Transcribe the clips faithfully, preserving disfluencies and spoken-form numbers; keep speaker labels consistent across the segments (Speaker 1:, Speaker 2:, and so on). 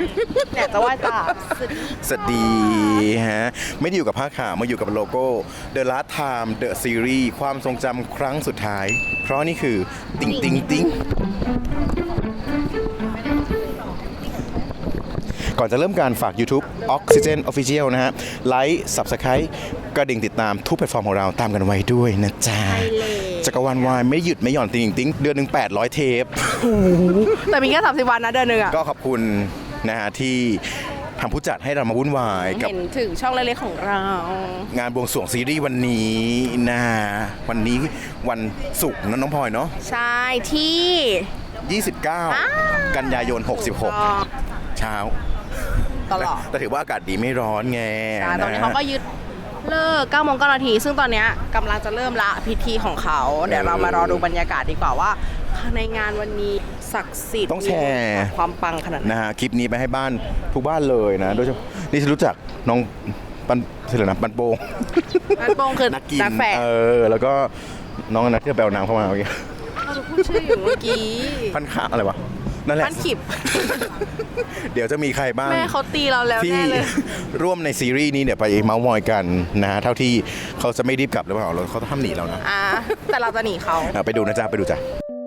Speaker 1: เนี่ยจะไหว้ตา
Speaker 2: สวัสดีฮะไม่ได้อยู่กับผ้าขาวมาอยู่กับโลโก้ The Last Time The Series ความทรงจำครั้งสุดท้าย เพราะนี่คือติงติงติงก่อนจะเริ่มการฝาก YouTube Oxygen Official นะฮะไลค์ Subscribe กระดิ่งติดตามทุกแพลตฟอร์มของเราตามกันไว้ด้วยนะจ๊ะจักรวาลวายไม่หยุดไม่หย่อนติงติงเดือนหนึ่งแปดร้อยเทป
Speaker 1: แต่มีแค่สามสิบวันนะเดือนหนึ่งอ่ะ
Speaker 2: ก็ขอบคุณนะฮะที่ทางผู้จัดให้เรามาวุ่นวายกับ
Speaker 1: เห็นถึงช่องเล็กๆของเรา
Speaker 2: งานบวงสรวงซีรีส์วันนี้นะวันนี้วันศุกร์นะน้องพลอยเนาะ
Speaker 1: ใช่ที่
Speaker 2: ยี่สิบเก้า กันยายน หกสิบหก เช้า
Speaker 1: ตลอด
Speaker 2: แต่ถือว่าอากาศดีไม่ร้อนไง
Speaker 1: ใช่ตอนนี้เขาก็ยึดเลิกเก้าโมงเก้านาทีซึ่งตอนเนี้ยกำลังจะเริ่มละพิธีของเขา เดี๋ยวเรามารอดูบรรยากาศดีกว่าว่าในงานวันนี้ศักดิ์สิทธิ์
Speaker 2: ต้องแชร์
Speaker 1: ความปังขนาดไหน
Speaker 2: นะฮะคลิปนี้ไปให้บ้านทุกบ้านเลยนะโดยเฉพาะนี่ฉันรู้จักน้องปันเสร็จแล้วนะปันโปง
Speaker 1: นักโปงคือ
Speaker 2: นักกิน
Speaker 1: นักแฝด
Speaker 2: เออแล้วก็น้องนักที่ไปเอาน้ำเข้ามาเมื่อกี้
Speaker 1: เราจะพูดชื่ออยู่เมื่อกี้
Speaker 2: พันข้าวอะไรวะนั่นแหละ
Speaker 1: พันขิบ
Speaker 2: เดี๋ยวจะมีใครบ้าง
Speaker 1: แม่เขาตีเราแล้ว
Speaker 2: ที่
Speaker 1: แน่เลย
Speaker 2: ร่วมในซีรีส์นี้เนี่ยไปเมาส์มอยกันนะฮะเท่าที่เขาจะไม่รีบกลับหรือเปล่าเราเขาต้องทำหนีเรานะ
Speaker 1: อ่ะแต่เราจะหนีเขา
Speaker 2: อ่ะไปดูนะจ๊ะไปดูจ้ะ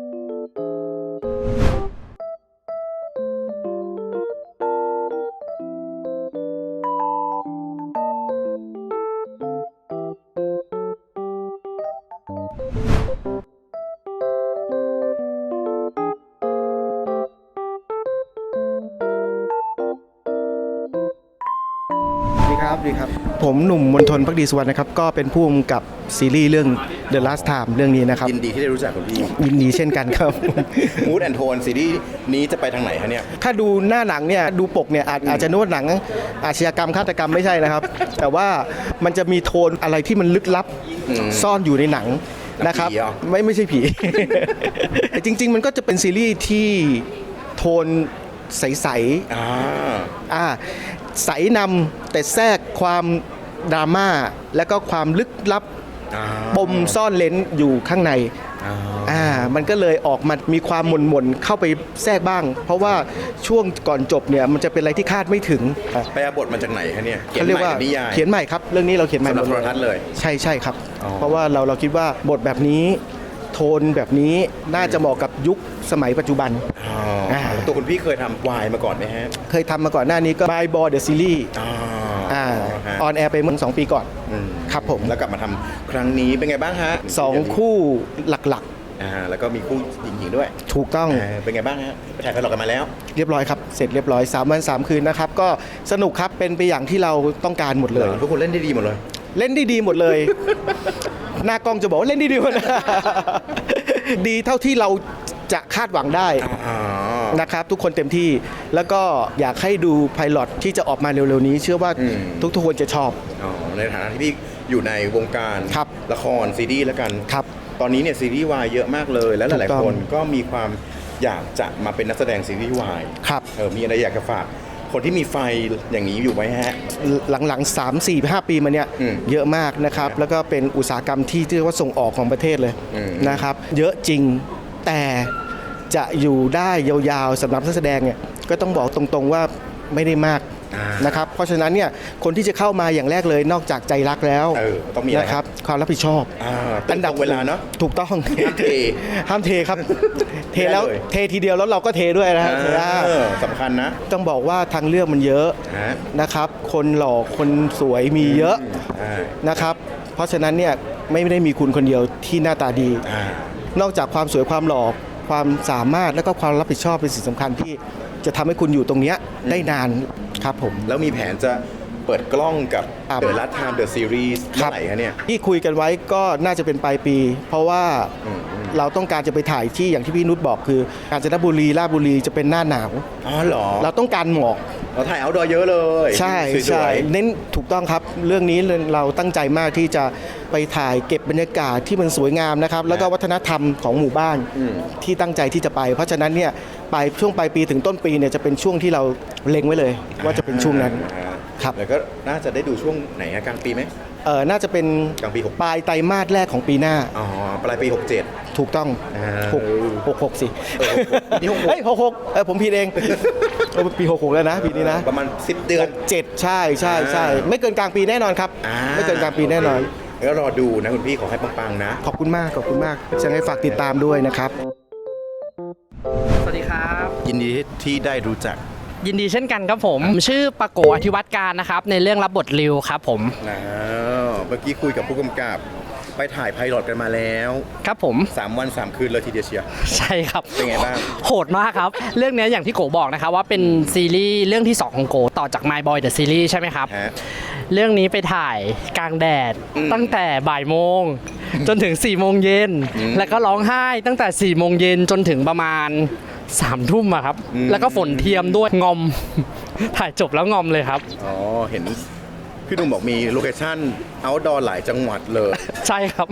Speaker 3: ดีครับดีครับ ผมหนุ่มมนทนพักดีสุวรรณนะครับ ก็เป็นผู้กำกับซีรีส์เรื่อง The Last Time เรื่องนี้นะครับ
Speaker 2: ยินดีที่ได้รู้จักคุณพี่
Speaker 3: ยินดีเช่นกันครับ
Speaker 2: มูดแอนโทนซีรีส์นี้จะไปทางไหนฮะเนี่ย
Speaker 3: ถ้าดูหน้าหนังเนี่ยดูปกเนี่ยอาจอาจจะนึกว่าหนังอาชญากรรมฆาตกรรมไม่ใช่นะครับ แต่ว่ามันจะมีโทนอะไรที่มันลึกลับซ่อนอยู่ในหนังนะครับ
Speaker 2: ผีเหรอ
Speaker 3: ไม่ไม่ใช่ผี แต่จริง ๆ มันก็จะเป็นซีรีส์ที่โทนใสๆ
Speaker 2: อ่า
Speaker 3: อ่าใสนำแต่แทรกความดราม่าและก็ความลึกลับ
Speaker 2: อ่า
Speaker 3: ปมซ่อนเลนอยู่ข้างใน
Speaker 2: อ่า
Speaker 3: อ่ามันก็เลยออกมามีความหม่นหม่นๆเข้าไปแทรกบ้าง เพราะว่าช่วงก่อนจบเนี่ยมันจะเป็นอะไรที่คาดไม่ถึง
Speaker 2: ไปเอาบทมาจากไหนคะเนี่ยเขียน
Speaker 3: เขาเรีย
Speaker 2: ให
Speaker 3: ก
Speaker 2: ม่
Speaker 3: ว่า
Speaker 2: กับนิยาย
Speaker 3: เขียนใหม่ครับเรื่องนี้เราเขียนใหม่
Speaker 2: สำหรับ
Speaker 3: หมด
Speaker 2: โทรทัศน์เลย
Speaker 3: ใช่ใช่ครับ
Speaker 2: อ๋อ
Speaker 3: เพราะว่าเราเราคิดว่าบทแบบนี้โทนแบบนี้น่าจะเหมาะกับยุคสมัยปัจจุบัน
Speaker 2: อ๋อ
Speaker 3: อ่า
Speaker 2: แล้วตัวคุณพี่เคยทำวายมาก่อนไหมฮะ
Speaker 3: เคยทำมาก่อนหน้านี้ก็ My Boy The Series
Speaker 2: อ่า
Speaker 3: อ่า
Speaker 2: ฮะ
Speaker 3: ออนแอร์ไปเมื่อสองปีก่อน
Speaker 2: อืม
Speaker 3: ครับผม
Speaker 2: แล้วกลับมาทำครั้งนี้เป็นไงบ้างฮะ
Speaker 3: สองคู่หลัก
Speaker 2: อ่าแล้วก็มีคู่หญิงๆด้วย
Speaker 3: ๆ ถูกต้อง
Speaker 2: อ่าเป็นไงบ้างฮะไปถ่ายกันหลอกกันมาแล้ว
Speaker 3: เรียบร้อยครับ เสร็จเรียบร้อยสามวันสามคืนนะครับ ก็สนุกครับ เป็นไปอย่างที่เราต้องการหมดเลย
Speaker 2: ทุกคนเล่นได้ดีหมดเลย
Speaker 3: เล่นได้ดีหมดเลย หน้ากล้องจะบอกว่าเล่นได้ดีหมด ดีเท่าที่เราจะคาดหวังได้
Speaker 2: อ๋อ
Speaker 3: นะครับ ทุกคนเต็มที่ แล้วก็อยากให้ดูไพลอตที่จะออกมาเร็วๆนี้ เชื่อว่า
Speaker 2: อืม
Speaker 3: ทุกๆคนจะชอบ
Speaker 2: อ๋อในฐานะที่พี่อยู่ในวงการ
Speaker 3: ครับ
Speaker 2: ละครซีรีส์แล้วกัน
Speaker 3: ครับ
Speaker 2: ตอนนี้เนี่ยซีรีส์วายเยอะมากเลย และหลาย
Speaker 3: ถูกต้
Speaker 2: ๆ
Speaker 3: อง
Speaker 2: คนก็มีความอยากจะมาเป็นนักแสดงซีรีส์วาย
Speaker 3: ครับ
Speaker 2: เออมีอะไรอยากจะฝากคนที่มีไฟอย่างนี้อยู่ไหมฮะ
Speaker 3: หลังๆ สาม สี่ ห้า ปีมาเนี่ย
Speaker 2: อืม
Speaker 3: เยอะมากนะครับ แล้วก็เป็นอุตสาหกรรมที่เรียกว่าส่งออกของประเทศเลย
Speaker 2: อืม
Speaker 3: นะครับ เยอะจริงแต่จะอยู่ได้ยาวๆสำหรับนักแสดงเนี่ยก็ต้องบอกตรงๆว่าไม่ได้มาก
Speaker 2: อ่าน
Speaker 3: นะครับ เพราะฉะนั้นเนี่ยคนที่จะเข้ามาอย่างแรกเลยนอกจากใจรักแล้ว
Speaker 2: เออต้องมีอะไร
Speaker 3: นะครับความรับผิดชอบ
Speaker 2: อ่าตรงเวลาเนาะ
Speaker 3: ถูกต้อง
Speaker 2: ห้ามเท
Speaker 3: ห้ามเทครับ เทแล้ว
Speaker 2: ไม่ได้เลย
Speaker 3: เททีเดียวแล้วเราก็เทด้วยนะฮะ
Speaker 2: เออสำคัญนะ
Speaker 3: ต้องบอกว่าทางเลือกมันเยอะ
Speaker 2: ฮะ
Speaker 3: นะครับ คนหล่อคนสวยมีเยอะ
Speaker 2: อ่า
Speaker 3: นะครับ เพราะฉะนั้นเนี่ยไม่ได้มีคุณคนเดียวที่หน้าตาดี
Speaker 2: อ่า
Speaker 3: นอกจากความสวยความหล่อความสามารถและก็ความรับผิดชอบเป็นสิ่งสำคัญที่จะทำให้คุณอยู่ตรงเนี้ยได้นานครับผม
Speaker 2: แล้วมีแผนจะเปิดกล้องกับ
Speaker 3: ครับ
Speaker 2: The Last Time The Series เมื่อไหร่คะเนี่ย
Speaker 3: ที่คุยกันไว้ก็น่าจะเป็นปลายปี เพราะว่า
Speaker 2: อืมอืม
Speaker 3: เราต้องการจะไปถ่ายที่อย่างที่พี่นุชบอกคือกาญจนบุรีราชบุรีจะเป็นหน้าหนาว
Speaker 2: อ๋อเหรอ
Speaker 3: เราต้องการหมอก
Speaker 2: เราถ่ายเอาดอเยอะเลย
Speaker 3: ใช่
Speaker 2: สวยๆ
Speaker 3: ใช่เน้นถูกต้องครับ เรื่องนี้เราตั้งใจมากที่จะไปถ่ายเก็บบรรยากาศที่มันสวยงามนะครับ แล้วก็วัฒนธรรมของหมู่บ้าน
Speaker 2: อืม
Speaker 3: ที่ตั้งใจที่จะไป เพราะฉะนั้นเนี่ยปลายช่วงปลายปีถึงต้นปีเนี่ยจะเป็นช่วงที่เราเล็งไว้เลย ว่าจะเป็นช่วงนั้น
Speaker 2: อ่า
Speaker 3: ครับ
Speaker 2: แล้วก็น่าจะได้ดูช่วงไหนฮะกลางปีไหม
Speaker 3: เออน่าจะเป็น
Speaker 2: กลางปีหก
Speaker 3: ปลายไตรมาสแรกของปีหน้า
Speaker 2: อ๋อปลายปีหกเจ็ด
Speaker 3: ถูกต้อง
Speaker 2: อ่า
Speaker 3: หกหกหกสิ
Speaker 2: เออหกหกนี่หกหก
Speaker 3: เฮ้ยหกหกเออผมผิดเองโอ้ปีหกหกแล้วนะปีนี้นะ
Speaker 2: ประมาณสิบเดือน
Speaker 3: เจ็ดใช่ใช่ใช่ไม่เกินกลางปีแน่นอนครับ
Speaker 2: อ่า
Speaker 3: ไม่เกินกลางปีแน่นอน
Speaker 2: แล้วรอดูนะคุณพี่ขอให้ปังๆนะ
Speaker 3: ขอบคุณมากขอบคุณมากยังไงฝากติดตามด้วยนะครับ
Speaker 4: สวัสดีครับ
Speaker 2: ยินดีที่ได้รู้จัก
Speaker 4: ยินดีเช่นกันครับผม ชื่อปะโกอธิวัตรการนะครับ ในเรื่องรับบทริวครับผม
Speaker 2: นะเมื่อกี้คุยกับผู้กำกับ ไปถ่ายไพลอตกันมาแล้ว
Speaker 4: ครับผม
Speaker 2: สามวันสามคืนเลยทีเดียวเชียว
Speaker 4: ใช่ครับ
Speaker 2: เป็นไงบ้าง
Speaker 4: โหดมากครับ เรื่องนี้อย่างที่โกบอกนะครับว่าเป็นซีรีส์เรื่องที่สองของโกต่อจาก My Boy The Series ใช่ไหมครับ
Speaker 2: ฮะ
Speaker 4: เรื่องนี้ไปถ่ายกลางแดด
Speaker 2: อืม
Speaker 4: ตั้งแต่บ่ายโมง จนถึง4ี่โมงเย็น
Speaker 2: อืม
Speaker 4: แล้วก็ร้องไห้ตั้งแต่4ี่โมงเย็นจนถึงประมาณสามทุ่มอะครับ
Speaker 2: อืม
Speaker 4: แล้วก็ฝนเทียมด้วยงอม ถ่ายจบแล้วงอมเลยครับ
Speaker 2: อ๋อ เห็นพี่หนุ่มบอกมีโลเคชั่นเอาท์ดอร์หลายจังหวัดเลย
Speaker 4: ใช่ครับ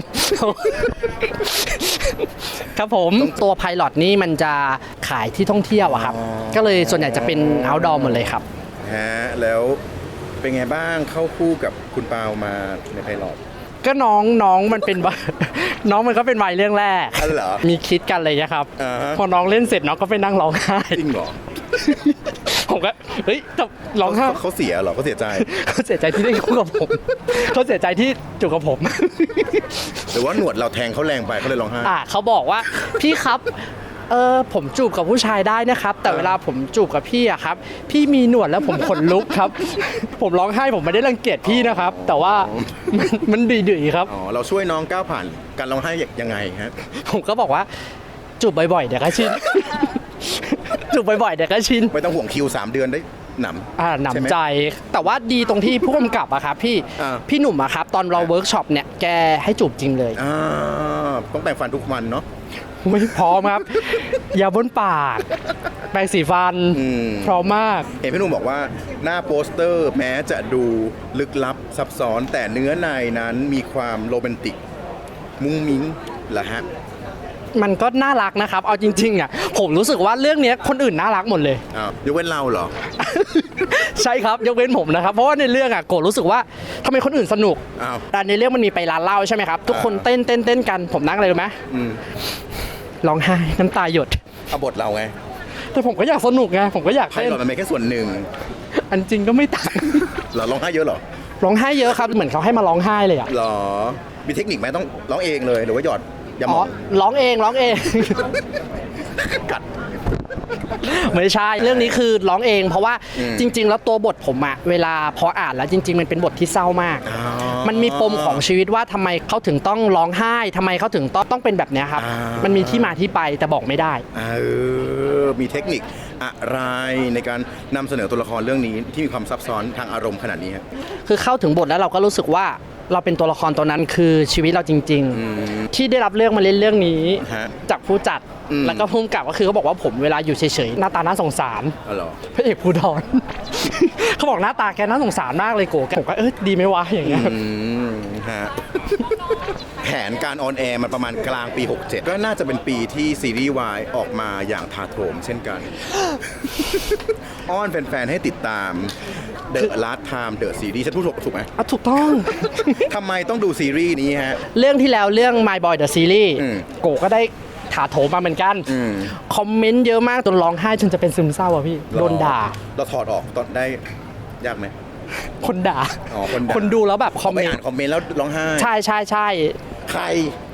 Speaker 4: ครับผมตัวไพลอตนี่มันจะขายที่ท่องเที่ยวอะครับ
Speaker 2: อ๋อ
Speaker 4: ก็เลยส่วนใหญ่จะเป็น outdoor หมดเลยครับ
Speaker 2: ฮะ แล้วเป็นไงบ้างเข้าคู่กับคุณปาวมาในไพลอต
Speaker 4: ก็น้องน้องมันเป็น น้องมันก็เป็นวัยเรื่องแรก
Speaker 2: อ๋อเหรอ
Speaker 4: มีคิดกันเลยนะครับ
Speaker 2: อ่าฮะ
Speaker 4: พอน้องเล่นเสร็จน้องก็ไปนั่งร้องไห้
Speaker 2: จริงเหรอ
Speaker 4: ผมก็เฮ้ยแต่ร้องไห้
Speaker 2: เขาเขาเสียเหรอเขาเสียใจ
Speaker 4: เขาเสียใจที่ได้คู่กับผม เขาเสียใจที่จูบกับผม
Speaker 2: หรือว่าหนวดเราแทงเขาแรงไปเขาเลยร้องไห้
Speaker 4: อ่ะเขาบอกว่าพี่ครับเออผมจูบกับผู้ชายได้นะครับ แต่เวลาผมจูบกับพี่อะครับ พี่มีหนวดแล้วผมขนลุกครับ ผมร้องไห้ผมไม่ได้รังเกียจพี่นะครับ แต่ว่ามันมันดื้อๆครับ
Speaker 2: อ๋อ เราช่วยน้องก้าวผ่านการร้องไห้ยังไงฮะ
Speaker 4: ผมก็บอกว่าจูบบ่อยๆเดี๋ยวก็ชิน จูบบ่อยๆเดี๋ยวก็ชิน
Speaker 2: ไม่ต้องห่วงคิว สาม เดือนได้หนำ
Speaker 4: อ่าห
Speaker 2: ช่ไม
Speaker 4: นำใจ แต่ว่าดีตรงที่ผู้กำกับอะครับพี่
Speaker 2: อ่า
Speaker 4: พี่หนุ่มอะครับตอนเราเวิร์กช็อปเนี่ยแกให้จูบจริงเลย
Speaker 2: อ่าต้องแต่งฟันทุกวันเนาะ
Speaker 4: ไม่พร้อมครับ ยาบนปาก แปรงสีฟัน
Speaker 2: อืม
Speaker 4: พร้อมมาก
Speaker 2: เห็นพี่หนุ่มบอกว่าหน้าโปสเตอร์แม้จะดูลึกลับซับซ้อน แต่เนื้อในนั้นมีความโรแมนติก มุ้งมิ้งเหรอฮะ
Speaker 4: มันก็น่ารักนะครับ เอาจริงๆอ่ะผมรู้สึกว่าเรื่องเนี้ยคนอื่นน่ารักหมดเลย
Speaker 2: อ้าวยกเว้นเราเหรอ
Speaker 4: ใช่ครับยกเว้นผมนะครับ เพราะว่าในเรื่องอ่ะโกรธรู้สึกว่าทำไมคนอื่นสนุก
Speaker 2: อ้าว
Speaker 4: แต่ในเรื่องมันมีไปร้านเหล้าใช่ไหมครับทุกคนเต้นเต้นเต้นกันผมนั่งอะไรรู้ไหม
Speaker 2: อืม
Speaker 4: ร้องไห้น้ำตาหยด
Speaker 2: เอาบทเราไง
Speaker 4: แต่ผมก็อยากสนุกไงผมก็อยาก
Speaker 2: ไพ่
Speaker 4: เต้น
Speaker 2: หลอดมันเป็นแค่ส่วนหนึ่ง
Speaker 4: อันจริงก็ไม่ต่าง
Speaker 2: เหราร้องไห้เยอะเหรอ
Speaker 4: ร้องไห้เยอะครับเหมือนเขาให้มาร้องไห้เลยอ่ะ
Speaker 2: เหรอ มีเทคนิคไหมต้องร้องเองเลยหรือว่าหยอดยาหม
Speaker 4: อ๋อ
Speaker 2: อง
Speaker 4: ร้องเองร้องเอง
Speaker 2: กัด
Speaker 4: ไม่ใช่เรื่องนี้คือร้องเอง เพราะว่า
Speaker 2: อืม
Speaker 4: จริง ๆ แล้วตัวบทผมอะเวลาพออ่านแล้วจริง ๆ มันเป็นบทที่เศร้ามาก
Speaker 2: อ๋อ
Speaker 4: มันมีปมของชีวิตว่าทำไมเขาถึงต้องร้องไห้ทำไมเขาถึงต้องต้องเป็นแบบเนี้ยครับ
Speaker 2: อ่ามั
Speaker 4: มันมีที่มาที่ไปแต่บอกไม่ได้
Speaker 2: เออ มีเทคนิคอะไรในการนำเสนอตัวละครเรื่องนี้ที่มีความซับซ้อนทางอารมณ์ขนาดนี้ฮะ
Speaker 4: คือเข้าถึงบทแล้วเราก็รู้สึกว่าเราเป็นตัวละครตัวนั้นคือชีวิตเราจริง ๆ ที่ได้รับเรื่องมาเล่นเรื่องนี้
Speaker 2: ฮะ
Speaker 4: จากผู้จัด
Speaker 2: อืม
Speaker 4: แล้วก็ผู้กำกับก็คือเขาบอกว่าผมเวลาอยู่เฉยๆหน้าตาน่าสงสาร
Speaker 2: อ๋อเหรอ
Speaker 4: พระเอกภูดร เขาบอกหน้าตาแกน่าสงสารมากเลยโกผมก็เออดีไหมวะอย่างเงี้ย
Speaker 2: อืมฮะ แผนการออนแอร์มันประมาณกลางปี หกเจ็ด ก็น่าจะเป็นปีที่ซีรีส์วายออกมาอย่างถาโถมเช่นกัน อ้อนแฟนๆ ให้ติดตาม The Last Time The Series ฉันพูดถูกถูกไหม
Speaker 4: อ่ะถูกต้อง
Speaker 2: ทำไมต้องดูซีรีส์นี้ฮะ
Speaker 4: เรื่องที่แล้วเรื่อง My Boy The Series
Speaker 2: อืม
Speaker 4: โกก็ได้ถาโถมมาเหมือนกัน
Speaker 2: อืม
Speaker 4: คอมเมนต์เยอะมากจนร้องไห้จนจะเป็นซึมเศร้าอ่ะพี่ โดนด่า
Speaker 2: เราถอดออกตอนได้ยากไหม
Speaker 4: คนด่า
Speaker 2: อ๋อคนด่า
Speaker 4: คนดูแล้วแบบคอม
Speaker 2: ไป
Speaker 4: เมน
Speaker 2: อ่าน
Speaker 4: ต์
Speaker 2: คอมเมนต์แล้วร้องไห้
Speaker 4: ใช่ใช่ใช่
Speaker 2: ใคร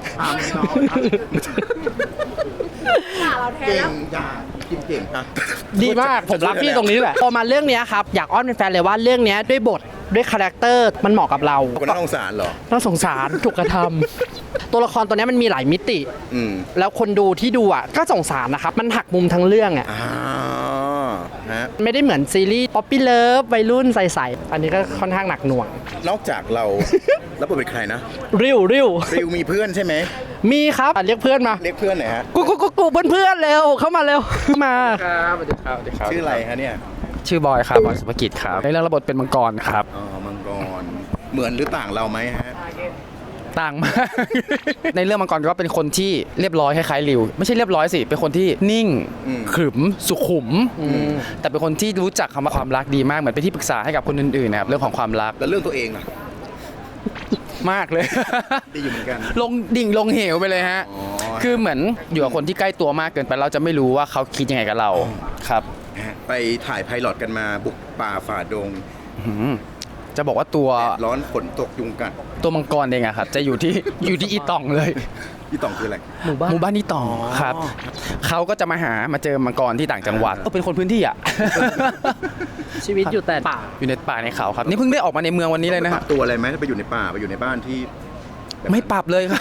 Speaker 1: เราแทน
Speaker 2: เก่
Speaker 1: แล้ว
Speaker 2: งด่ากินเก่งอะ
Speaker 4: ดีมากผมรักพี่ตรงนี้แหละพอมาเรื่องเนี้ยครับอยากอ้อนเป็นแฟนเลยว่าเรื่องเนี้ยด้วยบทด้วยคาแรคเตอร์มันเหมาะกับเรา
Speaker 2: คนน่าสงสารเหรอ
Speaker 4: น่าสงสารถูกกระทำ ตัวละครตัวเนี้ยมันมีหลายมิติ
Speaker 2: อืม
Speaker 4: แล้วคนดูที่ดูอ่ะก็สงสารนะครับ มันหักมุมทั้งเรื่องอ่ะ
Speaker 2: อ่าฮะ
Speaker 4: ไม่ได้เหมือนซีรีส์ป๊อปปี้เลิฟวัยรุ่นใสๆอันนี้ก็ค่อนข้างหนักหน่วง
Speaker 2: นอกจากเรา แล้วเป็นใครนะ
Speaker 4: ริ้วริ้ว
Speaker 2: ริวมีเพื่อนใช่ไหม
Speaker 4: มีครับอ่ะเรียกเพื่อนมา
Speaker 2: เรียกเพื่อนหน่อยฮะ
Speaker 4: กูกูกูกูเพื่อนเพื่อนๆเร็วเข้ามาเร็วเข้ามา
Speaker 5: ครับสวัสดีครับสวัสดีครับ
Speaker 2: ชื่ออะไรฮะเนี่ย
Speaker 5: ชื่อบอยครับบอยสุภกิจครับในเรื่องระบบเป็นมังกรครับ
Speaker 2: อ๋อ มังกร เหมือนหรือต่างเราไหมฮะ
Speaker 5: ต่างมาก ในเรื่องมังกรก็เป็นคนที่เรียบร้อยคล้ายๆริวไม่ใช่เรียบร้อยสิเป็นคนที่นิ่ง
Speaker 2: อืม
Speaker 5: ขรึมสุขุม แต่เป็นคนที่รู้จักคำว่าความรักดีมากเหมือนเป็นที่ปรึกษาให้กับคนอื่นๆนะครับเรื่องของความรัก
Speaker 2: แล้วเรื่องตัวเองล่ะ
Speaker 5: มากเลย
Speaker 2: ดีอยู่เหมือนกัน
Speaker 5: ลงดิ่งลงเหวไปเลยฮะ
Speaker 2: อ๋อ
Speaker 5: คือเหมือนอยู่กับคนที่ใกล้ตัวมากเกินไปเราจะไม่รู้ว่าเขาคิดยังไงกับเราครับ
Speaker 2: ฮะไปถ่ายไพลอตกันมาบุกป่าฝ่าดง
Speaker 5: จะบอกว่าตัว
Speaker 2: แดดร้อนฝนตกยุงกัด
Speaker 5: ตัวมังกรเองอะครับจะอยู่ที่ อยู่ที่อีตองเลย
Speaker 2: พี่ต่องคืออะไร
Speaker 4: หมู่บ้าน
Speaker 5: หมู่บ้านอีตองครับเขาก็จะมาหามาเจอมังกรที่ต่างจังหวัดก็เป็นคนพื้นที่อะ
Speaker 4: ชีวิตอยู่แต่ป่า
Speaker 5: อยู่ในป่าในเขาครับนี่เพิ่งได้ออกมาในเมืองวันนี้เลยนะ
Speaker 2: ป
Speaker 5: ค
Speaker 2: รั
Speaker 5: รั
Speaker 2: บบ ตัวอะไรไหมถ้าไปอยู่ในป่าไปอยู่ในบ้านที่
Speaker 5: ไม่ปรับเลยครับ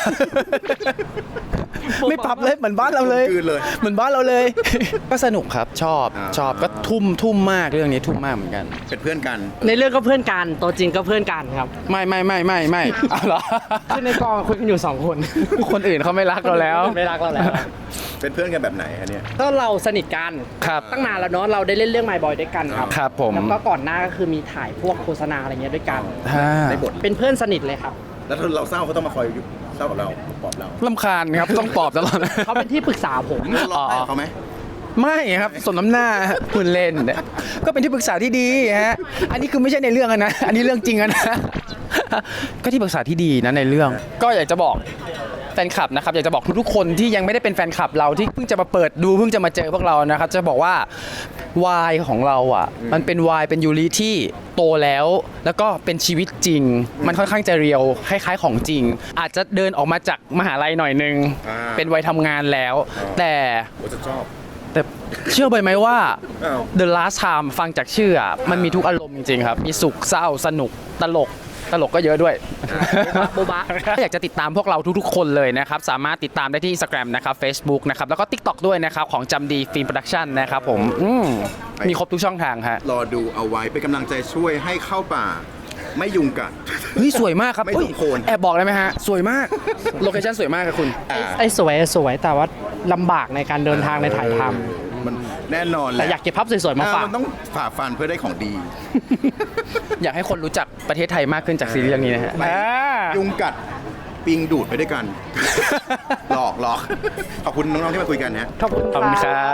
Speaker 5: ไม่ปรับเลยเหมือนบ้านเราเลย
Speaker 2: กลืนเลย
Speaker 5: เหมือนบ้านเราเลย ก็สนุกครับชอบ
Speaker 2: อ่า
Speaker 5: ชอบก็ทุ่มทุ่มมากเรื่องนี้ทุ่มมากเหมือนกัน
Speaker 2: เป็นเพื่อนกัน
Speaker 4: ในเรื่องก็เพื่อนกันตัวจริงก็เพื่อนกันครับ
Speaker 5: ไม่ไม่ไม่ไม่ไม่ เอาเหรอ
Speaker 4: คือในกองคุยกันอยู่สองคน
Speaker 5: คนอื่นเขาไม่รักเราแล้ว
Speaker 4: ไม่รักเราแล้ว
Speaker 2: เป็นเพื่อนกันแบบไหนฮะเนี่ย
Speaker 4: ก็เราสนิทกัน
Speaker 5: ครับ
Speaker 4: ตั้งนานแล้วเนาะเราได้เล่นเรื่อง My Boy ด้วยกันครับ
Speaker 5: ครับผม
Speaker 4: แล้วก็ก่อนหน้าก็คือมีถ่ายพวกโฆษณาอะไรเงี้ยด้วยกัน
Speaker 5: ฮ่า
Speaker 2: ในบท
Speaker 4: เป็นเพื่อนสนิทเลยครับ
Speaker 2: แล้วถ้าเราเศร้าเขาต้องมาคอยเศร้ากับเราปลอบเรา
Speaker 5: ลำคาญครับต้องปลอบตลอด
Speaker 4: เขาเป็นที่ปรึกษาผม
Speaker 2: เราร้องไห้กับเขาไหม
Speaker 5: ไม่ครับสมน้ำหน้าพูดเล่น ก็เป็นที่ปรึกษาที่ดีฮะอันนี้คือไม่ใช่ในเรื่องอะนะอันนี้เรื่องจริงอะนะ ก็ที่ปรึกษาที่ดีนะในเรื่อง ก็อยากจะบอกแฟนคลับนะครับอยากจะบอกทุกๆคนที่ยังไม่ได้เป็นแฟนคลับเราที่เพิ่งจะมาเปิดดูเพิ่งจะมาเจอพวกเรานะครับจะบอกว่าวายของเราอ่ะมันเป็นวายเป็นยูริที่โตแล้ว แล้วก็เป็นชีวิตจริง มันค่อนข้างจะเรียวคล้ายๆของจริง อาจจะเดินออกมาจากมหาลัยหน่อยนึง
Speaker 2: อ่า
Speaker 5: เป็นวัยทำงานแล้ว
Speaker 2: อ่า
Speaker 5: แต่
Speaker 2: โอ้จะชอบ
Speaker 5: แต่เชื่อไปไหมว่า
Speaker 2: อ้าว
Speaker 5: The Last Time ฟังจากชื่ออ่ะมันมีทุกอารมณ์จริงๆครับ มีสุขเศร้าสนุกตลกตลกก็เยอะด้วย
Speaker 4: โบบะ
Speaker 5: ถ้าอยากจะติดตามพวกเราทุกๆคนเลยนะครับ สามารถติดตามได้ที่ Instagram นะครับ Facebook นะครับ แล้วก็ TikTok ด้วยนะครับ ของจำดีฟิล์มโปรดักชั่นนะครับผมอืมมีครบทุกช่องทางฮะ
Speaker 2: รอดูเอาไว้เป็นกำลังใจช่วยให้เข้าป่า ไม่ยุงกัด
Speaker 5: เฮ้ย สวยมากครับ
Speaker 2: ไม่
Speaker 5: เฮ้ย
Speaker 2: สมโคน
Speaker 5: แอบบอกได้ไหมฮะ สวยมาก โลเคชั่นสวยมากครับคุณ
Speaker 2: อ่า
Speaker 4: ไอ้สวยสวยแต่ว่าลำบากในการเดินทางในถ่ายท
Speaker 2: มันแน่นอน
Speaker 4: ำ
Speaker 2: แห
Speaker 4: แต่
Speaker 2: ละ
Speaker 4: อยากเก็บภาพสวยๆมาฝาก
Speaker 2: มันต้องฝ่าฟันเพื่อได้ของดี
Speaker 5: อยากให้คนรู้จักประเทศไทยมากขึ้นจากซีรีส์เรื่องนี้นะฮะ
Speaker 2: ไม่ ยุงกัดปิงดูดไปด้วยกัน หลอกหลอกขอบคุณน้องๆที่มาคุยกันนะ
Speaker 4: ขอบคุณ
Speaker 5: ขอบคุณครับ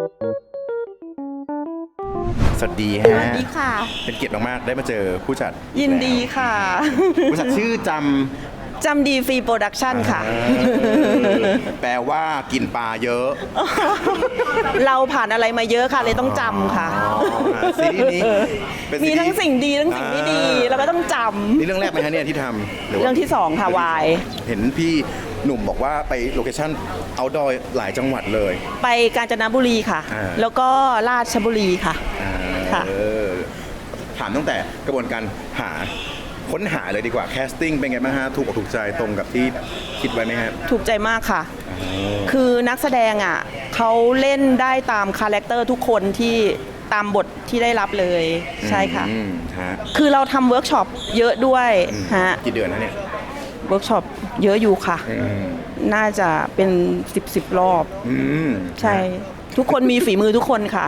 Speaker 2: สวัสดี
Speaker 1: ส
Speaker 2: ฮะ
Speaker 1: วัสดีค่ะ
Speaker 2: เป็นเกียรติมากๆได้มาเจอผู้จัด
Speaker 1: ยินดีค่ะ
Speaker 2: ผู้จัดชื่อจ
Speaker 1: จำดีฟรีโปรดักชั่นค่ะ
Speaker 2: ำแปลว่ากินปลาเยอะ
Speaker 1: เราผ่านอะไรมาเยอะค่ะ เลยต้องจำค่ะ
Speaker 2: ซีรีส์นี้เป็นซี
Speaker 1: มี
Speaker 2: รีส์
Speaker 1: ทั้งสิ่งดีทั้งสิ่งไม่ดี เราก็ต้องจ
Speaker 2: นี่เรื่องแรกไหมฮะเนี่ยที่ทำห
Speaker 1: ำ
Speaker 2: ว่า
Speaker 1: เรื่องที่สองค่ะวาย
Speaker 2: เห็นพี่หนุ่มบอกว่าไปโลเคชั่นเอาดอยหลายจังหวัดเลย
Speaker 1: ไปกาญจนบุรีค่ะ
Speaker 2: อ่า
Speaker 1: แล้วก็ราชบุรีค่ะ
Speaker 2: อ่า
Speaker 1: ค่ะ
Speaker 2: เออถามตั้งแต่กระบวนการหาค้นหาเลยดีกว่าแคสติ้งเป็นไงบ้างฮะถูกอกถูกใจตรงกับที่คิดไว้ไหมฮะ
Speaker 1: ถูกใจมากค่ะ คือนักแสดงอ่ะเขาเล่นได้ตามคาแรคเตอร์ทุกคนที่ตามบทที่ได้รับเลย ใช่ค่ะ
Speaker 2: อืมฮะ
Speaker 1: คือเราทำเวิร์กช็อปเยอะด้วยฮะ
Speaker 2: กี่เดือนนะเนี่ย
Speaker 1: เวิร์กช็อปเยอะอยู่ค่ะ
Speaker 2: อืม
Speaker 1: น่าจะเป็นสิบสิบรอบ
Speaker 2: อืม
Speaker 1: ใช่ ทุกคนมีฝีมือทุกคนค่ะ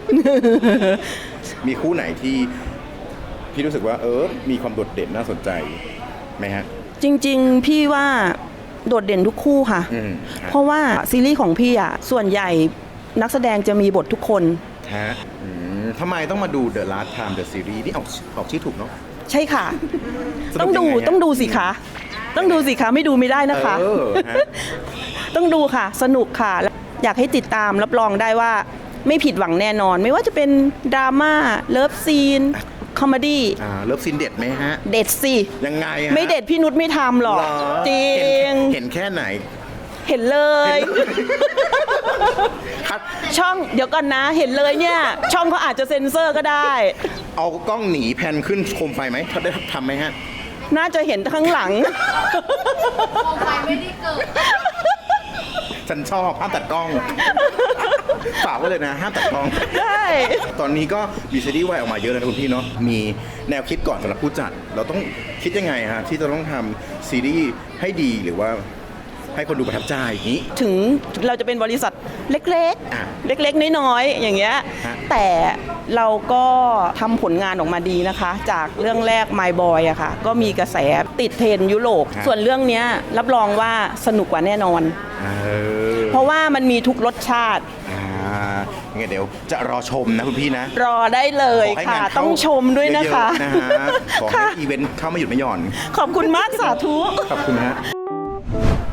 Speaker 2: มีคู่ไหนที่พี่รู้สึกว่า เออ มีความโดดเด่นน่าสนใจไหมฮะ
Speaker 1: จริงๆ พี่ว่าโดดเด่นทุกคู่ค่ะ
Speaker 2: อืม
Speaker 1: เพราะว่าซีรีส์ของพี่อ่ะส่วนใหญ่นักแสดงจะมีบททุกคน
Speaker 2: ฮะอืมทำไมต้องมาดู The Last Time The Series นี่ออกออกชื่อถูกเนาะ
Speaker 1: ใช่ค่ะ
Speaker 2: สนุก
Speaker 1: ต้องดู
Speaker 2: ยังไงฮะ
Speaker 1: ต้องดูสิคะต้องดูสิคะไม่ดูไม่ได้นะคะ
Speaker 2: เออฮะ
Speaker 1: ต้องดูค่ะ สนุกค่ะและอยากให้ติดตามรับรองได้ว่าไม่ผิดหวังแน่นอน ไม่ว่าจะเป็นดราม่าเลิฟซีนคอมเมดี้
Speaker 2: อ่าเลิฟซีนเด็ดไหมฮะ
Speaker 1: เด็ดสิ
Speaker 2: ยังไงฮะ
Speaker 1: ไม่เด็ดพี่นุชไม่ทำหรอก
Speaker 2: เหรอ
Speaker 1: จริง
Speaker 2: เห็นเห็นแค่ไหน
Speaker 1: เห็นเลย
Speaker 2: คัด
Speaker 1: ช่องเดี๋ยวก่อนนะ เห็นเลยเนี่ย ช่องเขาอาจจะเซ็นเซอร์ก็ได้
Speaker 2: เอากล้องหนีแพนขึ้นโคมไฟไหมถ้าได้ทำไหมฮะ
Speaker 1: น่าจะเห็นข้างหลัง
Speaker 2: ฉันชอบห้ามตัดกล้อง ฝากไว้เลยนะห้ามตัดกล้อง
Speaker 1: ได้
Speaker 2: ตอนนี้ก็มีซีรีส์วายออกมาเยอะเลยนะคุณพี่เนาะ มีแนวคิดก่อนสำหรับผู้จัด เราต้องคิดยังไงฮะที่จะต้องทำซีรีส์ให้ดีหรือว่าให้คนดูประทับใจอย่างนี้
Speaker 1: ถึงเราจะเป็นบริษัทเล็ก
Speaker 2: อ่ะ
Speaker 1: ๆ เล็กๆ น้อยๆ อย่างเงี้ย
Speaker 2: ฮะ
Speaker 1: แต่เราก็ทำผลงานออกมาดีนะคะ จากเรื่องแรก My Boy อะค่ะ ก็มีกระแสติดเทรนด์ยุโรป ส่วนเรื่องเนี้ยรับรองว่าสนุกกว่าแน่นอน
Speaker 2: เออ
Speaker 1: เพราะว่ามันมีทุกรสชาติ
Speaker 2: อ่างั้นเดี๋ยวจะรอชมนะคุณพี่นะ
Speaker 1: รอได้เลย
Speaker 2: ขอให้
Speaker 1: ค่ะ
Speaker 2: งานเข้า
Speaker 1: ต้องชมด้วยนะคะ
Speaker 2: เยอๆนะฮะขอให้
Speaker 1: ค่ะ
Speaker 2: อีเวนต์เข้ามาหยุดไม่หย่อน
Speaker 1: ขอบคุณมากสาธุ
Speaker 2: ขอบคุณฮะ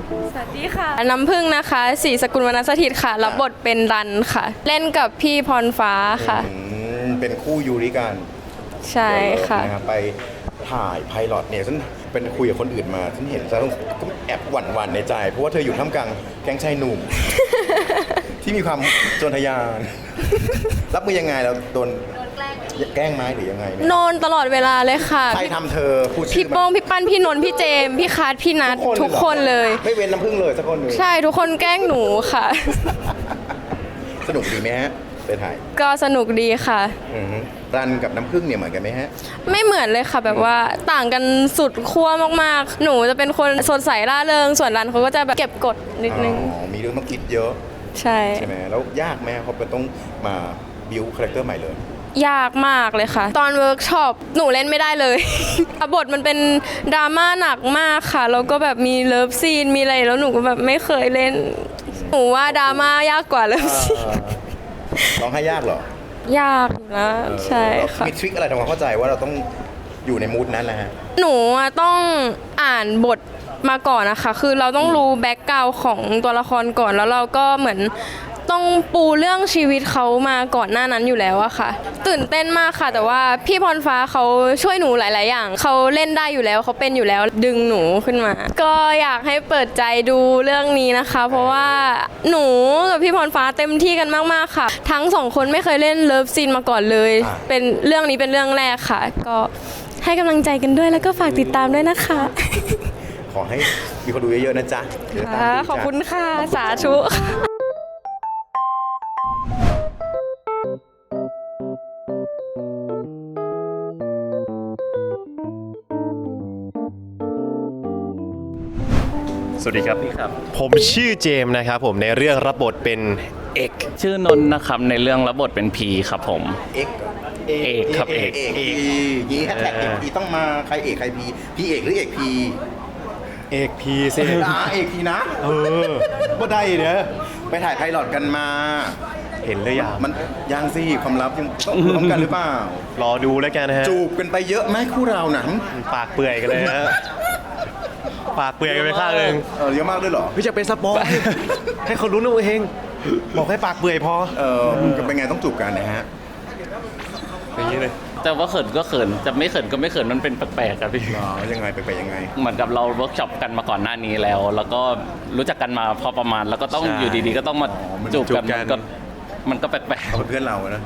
Speaker 6: สวัสดีค่ะ น้ำพึ่งนะคะศรีสกุลวรรณสถิตค่ะ รับบทเป็นรันค่ะ เล่นกับพี่พรฟ้าค่ะ
Speaker 2: อืมเป็นคู่ยูริกัน
Speaker 6: ใช่ค่ะ
Speaker 2: นะครับไปถ่ายไพลอตเนี่ยฉันเป็นคุยกับคนอื่นมาฉันเห็นฉันต้องแอบหวั่นหวั่นๆในใจ เพราะว่าเธออยู่ท่ามกลางแก๊งชายหนุ่ม ที่มีความโจรทยาน รับมือยังไงเราโดนแกล้งไหมหรือยังไงเนี่ย
Speaker 6: โนนตลอดเวลาเลยค่ะ
Speaker 2: ใครทำเธอพูดชื่
Speaker 6: พี่
Speaker 2: อ
Speaker 6: โป้งพี่ปั้นพี่นนท์พี่เจมส์พี่คาร์ดพี่นัททุกคนเลย
Speaker 2: ไม่เว้นน้ำพึ่งเลยสักคนหนึ่ง
Speaker 6: ใช่ทุกคนแกล้งหนูค่ะ
Speaker 2: สนุกดีไหมฮะไปถ่าย
Speaker 6: ก็สนุกดีค่ะ
Speaker 2: อือฮึรันกับน้ำพึ่งเนี่ยเหมือนกันไหมฮะ
Speaker 6: ไม่เหมือนเลยค่ะแบบว่าต่างกันสุดขั้วมากๆ หนูจะเป็นคนสดใสร่าเริงส่วนรันเขาก็จะแบบเก็บกดนิดนึง
Speaker 2: อ๋อ มีเรื่องต้องคิดเยอะ
Speaker 6: ใช่
Speaker 2: ใช่ไหมแล้วยากไหมเขาเป็นต้องมาบิวคาแรคเตอร์ใหม่เลย
Speaker 6: ยากมากเลยค่ะ ตอนเวิร์กช็อปหนูเล่นไม่ได้เลย บทมันเป็นดราม่าหนักมากค่ะแล้วก็แบบมีเลิฟซีนมีอะไรแล้วหนูก็แบบไม่เคยเล่น หนูว่าดราม่ายากกว่าเลิฟซีน
Speaker 2: ร้องไห้ยากเหรอ
Speaker 6: ยากอยู่นะใช่ค่ะ
Speaker 2: มีทริคอะไรทำความเข้าใจว่าเราต้องอยู่ในมูดนั้นแหละฮะ
Speaker 6: หนูอะต้องอ่านบทมาก่อนนะคะ คือเราต้องรู้แบ็กกราวด์ของตัวละครก่อน แล้วเราก็เหมือนต้องปูเรื่องชีวิตเขามาก่อนหน้านั้นอยู่แล้วอะค่ะ ตื่นเต้นมากค่ะ แต่ว่าพี่พรฟ้าเขาช่วยหนูหลาย ๆ อย่าง เขาเล่นได้อยู่แล้วเขาเป็นอยู่แล้วดึงหนูขึ้นมา ก็อยากให้เปิดใจดูเรื่องนี้นะคะ เพราะว่าหนูกับพี่พรฟ้าเต็มที่กันมาก ๆ ค่ะ ทั้งสองคนไม่เคยเล่นเลิฟซีนมาก่อนเลย
Speaker 2: อ่า
Speaker 6: เป็นเรื่องนี้เป็นเรื่องแรกค่ะ ก็ให้กำลังใจกันด้วยแล้วก็ฝากติดตามด้วยนะคะ
Speaker 2: ขอให้มีคนดูเยอะๆนะจ๊ะเดี๋ยวตาม
Speaker 6: ค่ะ
Speaker 2: ดูจ้ะ
Speaker 6: ขอบคุณค่ะ สาธุค่ะ
Speaker 7: สวัสดีครับพี่ครับ ผมชื่อเจมส์นะครับผมในเรื่องรับบทเป็นเอก
Speaker 8: ชื่อนนท์นะครับในเรื่องรับบทเป็นพีครับผม
Speaker 2: เอก
Speaker 8: เอกครับเอก
Speaker 2: เอกพียีแฮชแท็กเอกพีต้องมาใครเอกใครพีพี่เอกหรือเอกพี
Speaker 7: เอกพีเซ
Speaker 2: อ่าเอกพีนะ
Speaker 7: เออบ่ได้เนอะ
Speaker 2: ไปถ่ายไพลอตกันมา
Speaker 7: เห็นหรือยัง
Speaker 2: มันยังสิความลับยังต้องพร้อมกันหรือเปล่าร
Speaker 7: อดูแล้วกันนะฮะ
Speaker 2: จูบกันไปเยอะไหมคู่เราหนัง
Speaker 7: ปากเปื่อยกันเลยฮะปากเปื่อยกันไปข้างหนึ่ง
Speaker 2: เออเยอะมากด้วยเหรอ
Speaker 7: พี่จะเป็นสปอยให้เขารู้นะเองบอกให้ปากเปื่อยพอ
Speaker 2: เออเป็นไงต้องจูบกันนะฮะ
Speaker 7: อย่างนี้เลย
Speaker 8: แต่ว่าเขินก็เขินจะไม่เขินก็ไม่เขินมันเป็นแปลกๆครับพี่
Speaker 2: อ๋อยังไงไปไปยังไง
Speaker 8: เหมือนกับเราเวิร์กช็อปกันมาก่อนหน้านี้แล้ว แล้วก็รู้จักกันมาพอประมาณแล้วก็ต้อง
Speaker 7: ใช่
Speaker 8: อยู่ดีๆ ก็ต้องมาจูบกัน
Speaker 7: จูบกัน
Speaker 8: ก็มันก็แปลก
Speaker 2: เขาเป็นเพื่อนเราอะนะ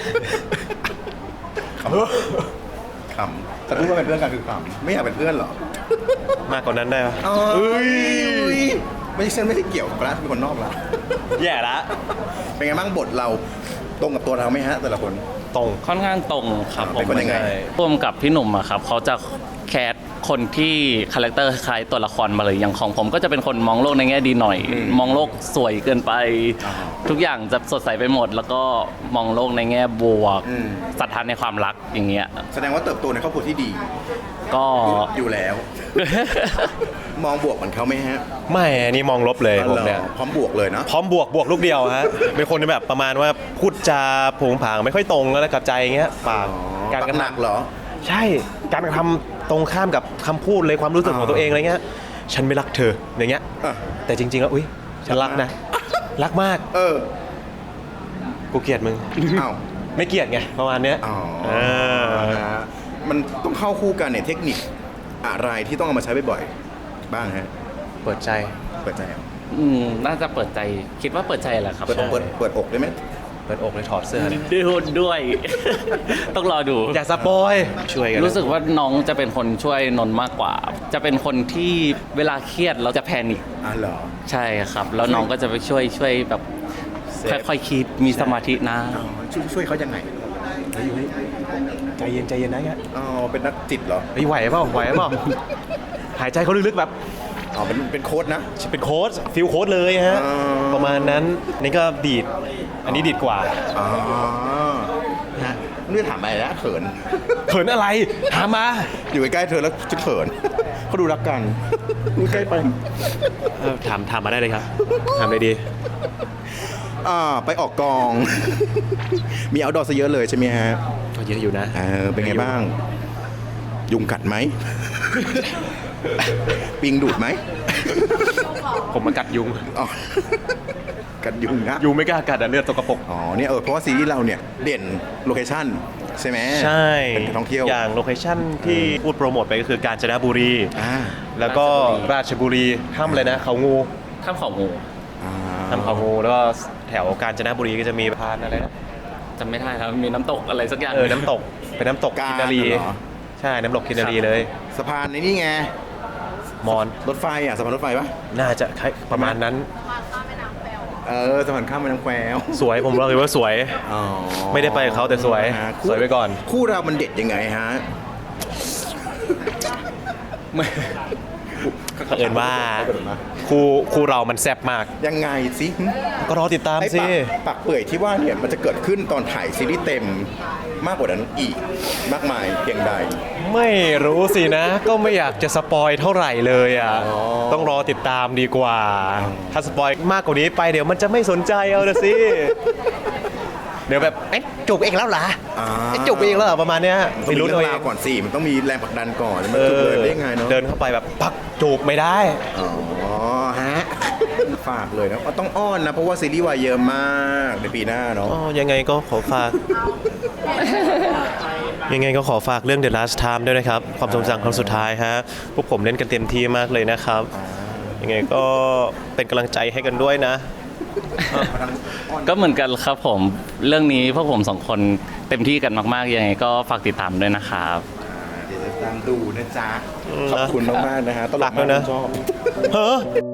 Speaker 2: ขำขำแต่พูดว่าเป็นเพื่อนกันคือขำไม่อยากเป็นเพื่อนเหรอ
Speaker 7: มากกว่านั้นได้ปะ
Speaker 2: เอ้ยไม่ใช่ฉันไม่ได้เกี่ยวกับร้านเป็นคนนอกละ
Speaker 7: แย่ละ
Speaker 2: เป็นไงบ้างบทเราตรงกับตัวเราไหมฮะ แต่ละคน
Speaker 7: ตรง
Speaker 8: ๆค่อนข้างตรงครับผ
Speaker 2: เป็
Speaker 8: ม
Speaker 2: นคนยังไง
Speaker 8: ร่วมกับพี่หนุ่มอะครับเขาจะแคสคนที่คาแรคเตอร์คล้ายตัวละครมาเลยอย่างของผมก็จะเป็นคนมองโลกในแง่ดีหน่อย มองโลกสวยเกินไป ทุกอย่างจะสดใสไปหมด แล้วก็มองโลกในแง่บวก
Speaker 2: อืม
Speaker 8: ศรัทธาในความรักอย่างเงี้ย
Speaker 2: แสดงว่าเติบโตในครอบครัวที่ดี
Speaker 8: ก็
Speaker 2: อยู่แล้ว มองบวกเหมือนเขาไหมฮะ
Speaker 7: ไม่อันนี้มองลบเลยผมเนี่ย
Speaker 2: พร้อมบวกเลยเนาะ
Speaker 7: พร้อมบวกบวกลูกเดียวฮะ เป็นคนที่แบบประมาณว่าพูดจาโผงผางไม่ค่อยตรงแล้วกับใจเงี้ยปากการกระ
Speaker 2: หนัก
Speaker 7: ทำ
Speaker 2: เหรอ
Speaker 7: ใช่การกระทำตรงข้ามกับคำพูดเลยความรู้สึกของตัวเองอะไรเงี้ยฉันไม่รักเธออย่างเงี้ย
Speaker 2: อ่ะ
Speaker 7: แต่จริงๆแล้วอุ้ยฉันรักนะ รักมาก
Speaker 2: เออ
Speaker 7: กูเกลียดมึง
Speaker 2: อ้าว
Speaker 7: ไม่เกลียดไงประมาณเนี้ย
Speaker 2: อ๋อ
Speaker 7: เออ
Speaker 2: นะฮะมันต้องเข้าคู่กันเนี่ยเทคนิคอะไรที่ต้องเอามาใช้บ่อยๆบ้างฮะ
Speaker 7: เปิดใจ
Speaker 2: เปิดใจเหรอ
Speaker 8: อืมน่าจะเปิดใจคิดว่าเปิดใจแหละครับ
Speaker 2: เปิดอกเปิดเปิดอกได้ไหม
Speaker 7: เปิดอกเลยถอดเสื้อเลย
Speaker 8: ดูด้วย ต้องรอดู
Speaker 7: อย่าสปอยช่วยกัน
Speaker 8: รู้สึกว่าน้องจะเป็นคนช่วยนนท์มากกว่า จะเป็นคนที่เวลาเครียดเราจะแพนิค
Speaker 2: อ่ะเหรอ
Speaker 8: ใช่ครับ แล้วน้องก็จะไปช่วยช่วยแบบค่อยๆคิดมีสมาธินะ
Speaker 2: อ๋อช่วยช่วยเขายังไง
Speaker 7: เฮ้ยเฮ้ยใจเย็นใจเย็นนะเงี้ย
Speaker 2: อ๋อเป็นนักจิตเหรอ
Speaker 7: เฮ้ยไหวเปล่าไหวเปล่าหายใจเขาลึกๆแบบ
Speaker 2: อ๋อเป็นเป็นโค้ดนะ
Speaker 7: เป็นโค้ดฟิลโค้ดเลยฮะ
Speaker 2: อ๋อ
Speaker 7: ประมาณนั้นนี่ก็ดีด อันนี้ดีดกว่า
Speaker 2: อ๋อฮะนี่ถามอะไรนะเขิน
Speaker 7: เขินอะไรถามมา
Speaker 2: อยู่ใกล้ๆเธอแล้วจะเขินเขาดูรักกันดูใกล้ไป
Speaker 7: เออถามถามมาได้เลยครับ ถามเลยดี
Speaker 2: อ่าไปออกกอง มีเอาดอซะเยอะเลยใช่ไหมฮะ
Speaker 7: ก็เยอะอยู่นะ
Speaker 2: เออเป็นไงบ้าง ยุงกัดไหมปิงดูดไหม
Speaker 7: ผมมากัดยุง
Speaker 2: อ๋อกัดยุงนะ
Speaker 7: ยุงไม่กล้ากัดอะเลือดตกกระปรก
Speaker 2: อ๋อเนี่ยเออเพราะว่าซีรีส์เราเนี่ยเด่นโลเคชั่นใช่ไหม
Speaker 7: ใช่
Speaker 2: เป็นท่องเที่ยว
Speaker 7: อย่างโลเคชั่นที่พูดโปรโมทไปก็คือกาญจนบุรี
Speaker 2: อ่า
Speaker 7: แล้วก็ราชบุรีถ้ำเลยนะเขางู
Speaker 8: ข้ามเขางู
Speaker 2: อ่า
Speaker 7: ถ้ำเขางูแล้วก็แถวกาญจนบุรีก็จะมีพานอะไรนะ
Speaker 8: จำไม่ได้ครับมีน้ำตกอะไรสักอย่าง
Speaker 7: เออน้ำตกเป็นน้ำตก
Speaker 2: กา
Speaker 7: กิ
Speaker 2: ญ
Speaker 7: นนารี
Speaker 2: เหรอ
Speaker 7: ใช่น้ำตกกินนารีเลย
Speaker 2: สะพานในนี่ไง
Speaker 7: มอน
Speaker 2: รถไฟอ่ะสะพานรถไฟปะ
Speaker 7: น่าจะคล้ายประมาณนั้น
Speaker 2: เออสะพานข้ามแม่น้ำแคว
Speaker 7: สวยผมบอกเลยว่าสวย
Speaker 2: อ๋อ
Speaker 7: ไม่ได้ไปกับเขาแต่สวย
Speaker 2: ฮะ
Speaker 7: สวยไว้ก่อน
Speaker 2: คู่เรามันเด็ดยังไงฮะ
Speaker 7: เผอิญว่าคู่คู่เรามันแซ่บมาก
Speaker 2: ยังไงสิ
Speaker 7: ก็รอติดตาม
Speaker 2: ไอ้
Speaker 7: สิ
Speaker 2: ปากปากเปื่อยที่ว่าเนี่ยมันจะเกิดขึ้นตอนถ่ายซีรีส์เต็มมากกว่านั้นอีกมากมายเพียงใด
Speaker 7: ไม่รู้สินะ ก็ไม่อยากจะสปอยเท่าไหร่เลยอ่ะ
Speaker 2: อ๋อ
Speaker 7: ต้องรอติดตามดีกว่า ถ้าสปอยมากกว่านี้ไปเดี๋ยวมันจะไม่สนใจเอาละสิ เดี๋ยวแบบเอ๊ะจูบเองแล้วเหรอ
Speaker 2: อ่า
Speaker 7: เอ๊ะจูบเองแล้วเหรอประมาณเนี้ย
Speaker 2: ต้องมี
Speaker 7: รู้
Speaker 2: เรื่
Speaker 7: ตั
Speaker 2: อ
Speaker 7: ว
Speaker 2: ง
Speaker 7: เอ
Speaker 2: ราว
Speaker 7: ง
Speaker 2: ก่อนสิมันต้องมีแรงผลักดันก่อนมัน
Speaker 7: เอ
Speaker 2: จุด
Speaker 7: อ
Speaker 2: เลยได้ยังไงเนาะ
Speaker 7: เดินเข้าไปแบบปักจูบไม่ได้
Speaker 2: อ๋อฮะ ฝากเลยนะต้องอ้อนนะ เพราะว่าซีรีส์วายเยอะมากในปีหน้าเนาะ
Speaker 7: อ๋อ ยังไงก็ขอฝาก ยังไงก็ขอฝากเรื่อง The Last Time ด้วยนะครับ ความทรงจำครั้งสุดท้ายฮะ พวกผมเล่นกันเต็มที่มากเลยนะครับ ยังไงก็เป็นกำลังใจให้กันด้วยนะ
Speaker 8: ก็เหมือนกันครับผมเรื่องนี้พวกผมสองคนเต็มที่กันมากๆยังไงก็ฝากติดตามด้วยนะครับ
Speaker 2: เดี๋ยวจะตามดูนะจ๊ะ
Speaker 7: อืม
Speaker 2: ขอบคุณมากๆนะฮะตล
Speaker 7: รั
Speaker 2: ก
Speaker 7: ก
Speaker 2: มา
Speaker 7: แล้
Speaker 2: ก
Speaker 7: วนะ
Speaker 2: ชอบ
Speaker 7: เฮ้อ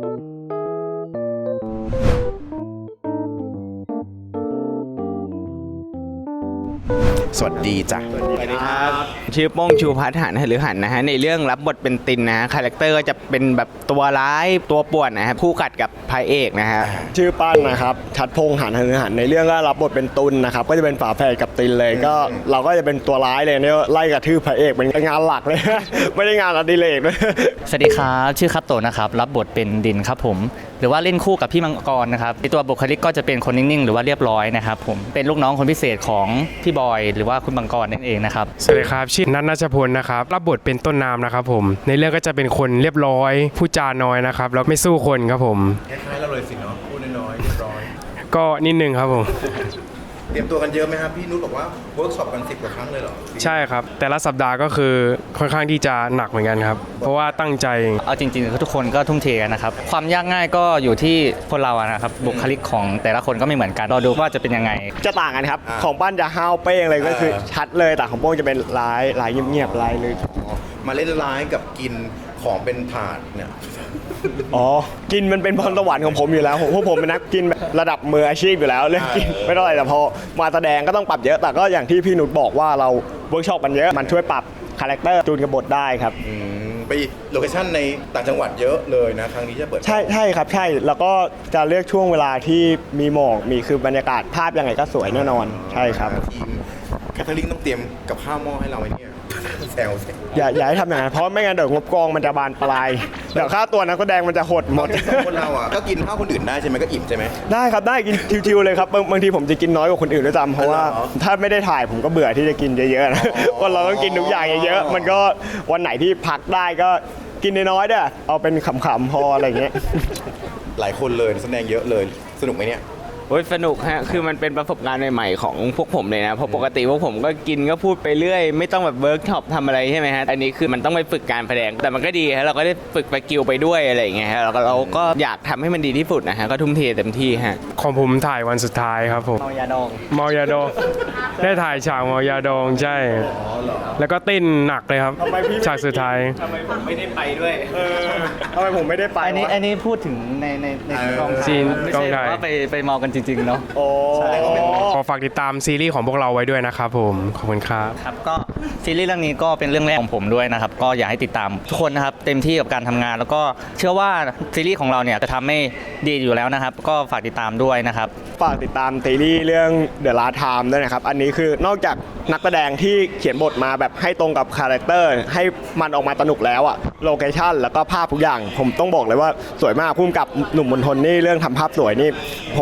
Speaker 2: สวัสดีจ้ะ
Speaker 9: สวัสดีครับชื่อโป้งชูพัฒน์หันหรือหันนะฮะในเรื่องรับบทเป็นตินนะฮะคาแรคเตอร์ก็จะเป็นแบบตัวร้ายตัวป่วนนะฮะคู่กัดกับพระเอกนะฮะ
Speaker 3: ชื่อปั้นนะครับชัดพงษ์หันหันหันในเรื่องก็รับบทเป็นตุลนะครับก็จะเป็นฝาแฝดกับตินเลยก็เราก็จะเป็นตัวร้ายเลยเนี่ยไล่กระทืบพระเอกเป็นงานหลักเลย ไม่ได้งานอดิเรกด้วย
Speaker 10: สวัสดีครับชื่อคัตโตะนะครับรับบทเป็นดินครับผมหรือว่าเล่นคู่กับพี่มังกรนะครับในตัวบุคลิกก็จะเป็นคนนิ่งๆหรือว่าเรียบร้อยนะครับผมเป็นลูกน้องคนพิเศษของพี่บอยหรือว่าคุณมังกรนั่นเองนะครับ
Speaker 11: สวัสดีครับชื่อนัทนัชพลนะครับรับบทเป็นต้นน้ำนะครับผมในเรื่องก็จะเป็นคนเรียบร้อยพูดจาน้อยนะครับแล้วไม่สู้คนครับผม
Speaker 2: คล้ายๆเราเลยสิเนาะพูดน้อยๆเรียบร้อย
Speaker 11: ก็นิดนึงครับผม
Speaker 2: เตรียมตัวกันเยอะไหมครับ พี่นุชบอกว่าเวิร์กช็อปกันสิบกว่าครั้งเลยเหรอ
Speaker 11: ใช่ครับแต่ละสัปดาห์ก็คือค่อนข้างที่จะหนักเหมือนกันครับเพราะว่าตั้งใจ
Speaker 10: เอาจริงๆทุกคนก็ทุ่มเทกันนะครับความยากง่ายก็อยู่ที่คนเราอะนะครับบุคลิกของแต่ละคนก็ไม่เหมือนกันรอดูว่าจะเป็นยังไง
Speaker 3: จะต่างกันครับของปั้นจะห้าวเป้งเลยก็คือชัดเลยแต่ของโป้งจะเป็นร้ายร้ายเงียบๆร้ายเลย
Speaker 2: มาเล่นร้ายกับกินของเป็นถาดเนี่ย
Speaker 3: อ๋อ กินมันเป็นพรสวรรค์ของผมอยู่แล้วผมพวกผมเป็นนักกินแบบระดับมืออาชีพอยู่แล้วเรื่องกินไม่เท่าไหร่แต่พอมาแสดงก็ต้องปรับเยอะแต่ก็อย่างที่พี่นุชบอกว่าเราเวิร์กช็อปกันเยอะมันช่วยปรับคาแรคเตอร์จูนกับบทได้ครับ
Speaker 2: อืมไปโลเคชั่นในต่างจังหวัดเยอะเลยนะ ครั้งนี้จะเปิด
Speaker 3: ใช่ใช่ครับใช่แล้วก็จะเลือกช่วงเวลาที่มีหมอกมีคือบรรยากาศภาพยังไงก็สวยแน่นอนใช่ครับ
Speaker 2: ทีมแคทเธอรีนต้องเตรียมกับข้าวหม้อให้เราไหมเนี่ย แซวสิ
Speaker 3: อย่าอย่าให้ทำอย่างนั้นเพราะไม่งั้นเดี๋ยวงบกองมันจะบานปลายเดี๋ยวค่าตัวนักแสดงมันจะหดหมด
Speaker 2: สองคนเราอ่ะก็กินข้าวคนอื่นได้ใช่ไหมก็อิ่มใช่ไหม
Speaker 3: ได้ครับได้กินชิวๆเลยครับบางบางทีผมจะกินน้อยกว่าคนอื่นด้วยซ้ำเพราะว่า
Speaker 2: เหรอ
Speaker 3: ถ้าไม่ได้ถ่ายผมก็เบื่อที่จะกินเยอะๆนะ
Speaker 2: อ๋อ
Speaker 3: คนเราต้องกินทุกอย่างเยอะๆมันก็วันไหนที่พักได้ก็กินน้อยๆเด้อเอาเป็นขำๆพออะไรอย่างเงี้ย
Speaker 2: หลายคนเลยแสดงเยอะเลย สนุกไหมเนี่ย
Speaker 9: โอ้ยสนุกฮะคือมันเป็นประสบการณ์ใหม่ๆของพวกผมเลยนะเพราะปกติพวกผมก็กินก็พูดไปเรื่อยไม่ต้องแบบเวิร์กช็อปทำอะไรใช่ไหมฮะอันนี้คือมันต้องไปฝึกการแสดงแต่มันก็ดีฮะเราก็ได้ฝึกสกิลไปด้วยอะไรอย่างเงี้ยฮะเราก็เราก็อยากทำให้มันดีที่สุดนะฮะก็ทุ่มเทเต็มที่ฮะ
Speaker 11: ของผมถ่ายวันสุดท้ายครับผม
Speaker 9: เมายาดอง
Speaker 11: เมายาดองได้ถ่ายฉากเมายาดองใช่แล้วก็เต้นหนักเลยครับ
Speaker 3: ทำไมพี่ไม่
Speaker 11: ฉากสุดท้าย
Speaker 9: ทำไมผมไม่ได้ไปด้วย
Speaker 3: เออทำไมผมไม่ได้ไป
Speaker 10: อันนี้
Speaker 3: วะ
Speaker 10: อันนี้พูดถึงในในในกอง
Speaker 11: ซีน
Speaker 10: ไม่
Speaker 11: กอง
Speaker 10: ใช่
Speaker 11: ถ่าย
Speaker 10: ว่าไปไปเมากันจริงๆเนาะ
Speaker 3: โอ้
Speaker 11: ขอฝากติดตามซีรีส์ของพวกเราไว้ด้วยนะครับผมขอบคุณครับ
Speaker 10: ครับก็ซีรีส์เรื่องนี้ก็เป็นเรื่องแรกของผมด้วยนะครับก็อยากให้ติดตามทุกคนนะครับเต็มที่กับการทำงาน แล้วก็เชื่อว่าซีรีส์ของเราเนี่ยจะทำให้ดีอยู่แล้วนะครับ ก็ฝากติดตามด้วยนะครับ
Speaker 3: ฝากติดตามซีรีส์เรื่อง The Last Time ด้วยนะครับ อันนี้คือนอกจากนักแสดงที่เขียนบทมาแบบให้ตรงกับคาแรคเตอร์ให้มันออกมาสนุกแล้วอะโลเคชั่นแล้วก็ภาพทุกอย่าง ผมต้องบอกเลยว่าสวยมากพุ่มกับหนุ่มมนทนนี่เรื่องทำภาพสวยนี่ ผมรู้จักมา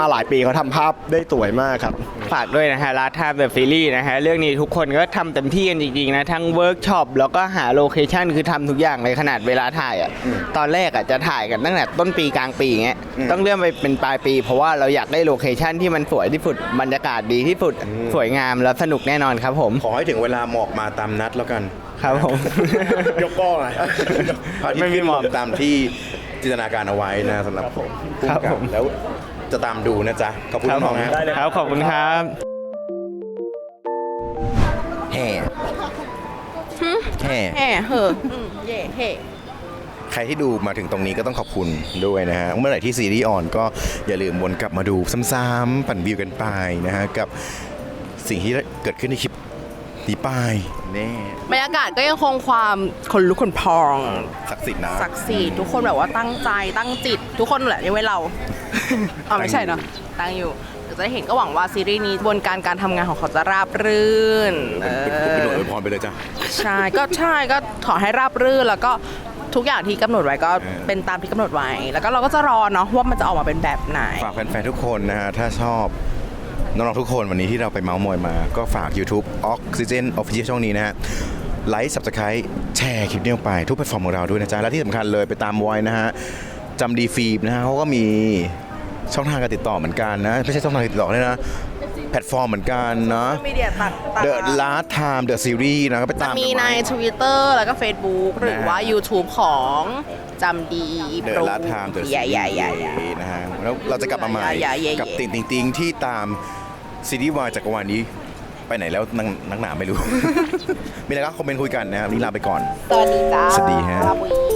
Speaker 3: มาหลายปีเขาทำภาพได้สวยมากครับ
Speaker 9: ฝากด้วยนะฮะ Last Time The Series นะฮะ เรื่องนี้ทุกคนก็ทำเต็มที่กันจริงๆนะ ทั้งเวิร์กช็อปแล้วก็หาโลเคชั่นคือทำทุกอย่างเลยขนาดเวลาถ่ายอ่ะ ตอนแรกอ่ะจะถ่ายกันตั้งแต่ต้นปีกลางปีอย่างเงี้ย ต้องเลื่อนไปเป็นปลายปี เพราะว่าเราอยากได้โลเคชั่นที่มันสวยที่สุด บรรยากาศดีที่สุด สวยงามแล้วสนุกแน่นอนครับผม
Speaker 2: ขอให้ถึงเวลาหมอกมาตามนัดแล้วกัน
Speaker 9: ครับผม
Speaker 2: ยกป้องไงพระอาทิต
Speaker 9: ไม่
Speaker 2: ย์
Speaker 9: มี
Speaker 2: ขึ้น
Speaker 9: หมอก
Speaker 2: ตามที่จินตนาการเอาไว้นะสำหรับผม
Speaker 9: ครับ
Speaker 2: ผู้กำกั
Speaker 9: ผม
Speaker 2: แล้วจะตามดูนะจ๊ะ ขอบคุณ
Speaker 9: ครับ
Speaker 2: น้
Speaker 9: ผ
Speaker 2: อง
Speaker 9: ม
Speaker 2: ๆฮะ
Speaker 9: ครับขอบคุณครับ
Speaker 2: แห่แห่
Speaker 1: แห่เหอะอืมเย่เฮ่
Speaker 2: ใครที่ดูมาถึงตรงนี้ก็ต้องขอบคุณด้วยนะฮะ เมื่อไหร่ที่ซีรีส์ออนก็อย่าลืมวนกลับมาดูซ้ำๆปั่นวิวกันไปนะฮะ กับสิ่งที่เกิดขึ้นในคลิปนี้ไปแน่
Speaker 1: บรรยากาศก็ยังคงความขนลุกขนพอง
Speaker 2: ศักดิ์สิทธิ์นะ
Speaker 1: ศักดิ์สิทธิ์ทุกคนแบบว่าตั้งใจตั้งจิต ทุกคนแหละยกเว้นเรา อ๋อไม่ใช่เนาะตั้งอยู่เดี๋ยวจะได้เห็นก็หวังว่าซีรีส์นี้กระบวนการการทำงานของเขาจะราบรื่นเอ
Speaker 2: เป็นหน่วย
Speaker 1: อ
Speaker 2: อวยพรไปเลยจ้ะ
Speaker 1: ใช่ก็ใช่ก็ขอให้ราบรื่นแล้วก็ทุกอย่างที่กำหนดไว้ก็
Speaker 2: เออ
Speaker 1: เป็นตามที่กำหนดไว้ แล้วก็เราก็จะรอเนาะว่ามันจะออกมาเป็นแบบไหน
Speaker 2: ฝากแฟนๆทุกคนนะฮะ ถ้าชอบน้องๆทุกคนวันนี้ที่เราไปเมาส์มอยมา ก็ฝาก YouTube Oxygen Official ช่องนี้นะฮะ ไลค์ Subscribe แชร์คลิปนี้ออกไปทุกแพลตฟอร์มของเราด้วยนะจ๊ะ และที่สำคัญเลยไปตามไว้นะฮะจำดีฟิล์มนะฮะเขาก็มีช่องทางการติดต่อเหมือนกันนะ ไม่ใช่ช่องทางการติดต่อเลยนะ แพลตฟอร์มเหมือนกันเนาะ
Speaker 1: มีเดียตัดตัด
Speaker 2: The Last Time The Series นะก็ไปตาม
Speaker 1: มี
Speaker 2: กัน
Speaker 1: ใน
Speaker 2: ไว้
Speaker 1: Twitter แล้วก็ Facebook หรือว่า YouTube ของจำดี
Speaker 2: เด
Speaker 1: โปร
Speaker 2: อะลาทามเดอะ
Speaker 1: ใหญ่ใหญ่ใหญ่
Speaker 2: นะฮะแล้วเราจะกลับมาใหม่
Speaker 1: ใหญ่ใหญ่
Speaker 2: กับติงติงติงที่ตามซีรีส์วายจักรวาลนี้ไปไหนแล้วนักนักหนาไม่รู้ มีอะไรก็คอมเมนต์คุยกันนะครับนี่ลาไปก่อน
Speaker 1: สวัสดีจ้า
Speaker 2: สวัสดีฮะ
Speaker 1: ลาบุย